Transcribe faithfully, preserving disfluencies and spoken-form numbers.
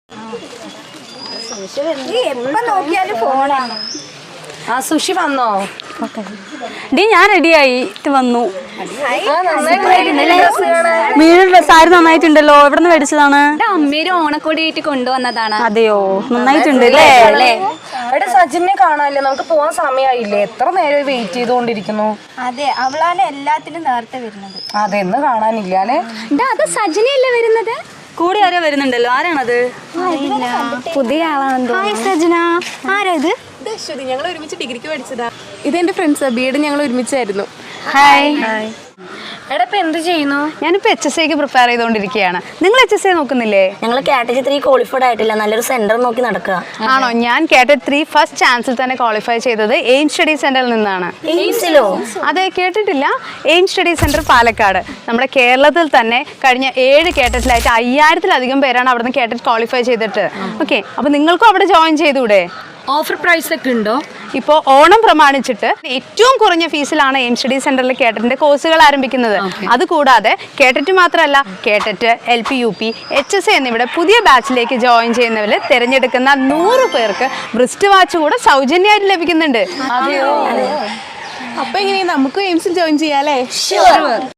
എപ്പോ നോക്കിയാലും ഫോണാണ്. ആ സുഷി വന്നോ? ഡി ഞാൻ റെഡിയായി വന്നു. മീൻ സാരി നന്നായിട്ടുണ്ടല്ലോ. എവിടെ നിന്ന് മേടിച്ചതാണ്? അമ്മേര് ഓണക്കോടിയായിട്ട് കൊണ്ടുവന്നതാണ്. അതെയോ, നന്നായിട്ടുണ്ട് അല്ലേ? എടാ സജിനെ കാണാനില്ലേ? നമുക്ക് പോവാൻ സമയമായില്ലേ? എത്ര നേരം വെയിറ്റ് ചെയ്തുകൊണ്ടിരിക്കുന്നു. അതെ, അവളാണ് എല്ലാത്തിനും നേരത്തെ വരുന്നത്. അതെന്ന് കാണാനില്ല അല്ലേ? അത് സജിനയല്ലേ വരുന്നത്? കൂടെ ആരോ വരുന്നുണ്ടല്ലോ. ആരാണത്? പുതിയ ആളാണെന്തോ. സജന ആരാ ഇത്? അശ്വതി, ഞങ്ങൾ ഒരുമിച്ച് ഡിഗ്രിക്ക് പഠിച്ചതാ. ഇതെന്റെ ഫ്രണ്ട്സ്, ബി എഡ് ഞങ്ങൾ ഒരുമിച്ചായിരുന്നു. ഹായ്. എടാ ഇപ്പൊ എന്ത് ചെയ്യുന്നു? ഞാനിപ്പോ എച്ച് എസ് ഐക്ക് പ്രിപ്പയർ ചെയ്തുകൊണ്ടിരിക്കുകയാണ്. നിങ്ങൾ എച്ച് എസ് ഐ നോക്കുന്നില്ലേ? ഞങ്ങൾ കാറ്റഗറി ത്രീ ക്വാളിഫൈഡ് ആയിട്ടില്ല, നല്ലൊരു സെന്റർ നോക്കി നടക്കുക. ആണോ? ഞാൻ കാറ്റഗറി ത്രീ ഫസ്റ്റ് ചാൻസിൽ തന്നെ ക്വാളിഫൈ ചെയ്തത് എയിം സ്റ്റഡി സെന്ററിൽ നിന്നാണ്. എയിംസിലോ? അതെ, കേട്ടിട്ടില്ല? Aim study centre Palakkad. നമ്മുടെ കേരളത്തിൽ തന്നെ കഴിഞ്ഞ ഏഴ് കേട്ടറ്റിലായിട്ട് അയ്യായിരത്തിലധികം പേരാണ് അവിടെ നിന്ന് കേട്ടറ്റ് ക്വാളിഫൈ ചെയ്തിട്ട്. ഓക്കെ, അപ്പൊ നിങ്ങൾക്കും അവിടെ ജോയിൻ ചെയ്തൂടെ? ഓഫർ പ്രൈസ് ഒക്കെ ഉണ്ടോ? ഇപ്പോൾ ഓണം പ്രമാണിച്ചിട്ട് ഏറ്റവും കുറഞ്ഞ ഫീസിലാണ് എയിം സ്റ്റഡി സെന്ററിൽ കേട്ടറ്റിന്റെ കോഴ്സുകൾ ആരംഭിക്കുന്നത്. അതുകൂടാതെ കേട്ടറ്റ് മാത്രമല്ല, കേട്ടറ്റ്, L P, U P, H S എന്നിവിടെ പുതിയ ബാച്ചിലേക്ക് ജോയിൻ ചെയ്യുന്നവരിൽ തിരഞ്ഞെടുക്കുന്ന നൂറ് പേർക്ക് ബ്രിസ്റ്റ് വാച്ച് കൂടെ സൗജന്യമായിട്ട് ലഭിക്കുന്നുണ്ട്. അപ്പൊ എങ്ങനെയാ നമുക്ക് എയിംസിൽ ജോയിൻ ചെയ്യാല്ലേ?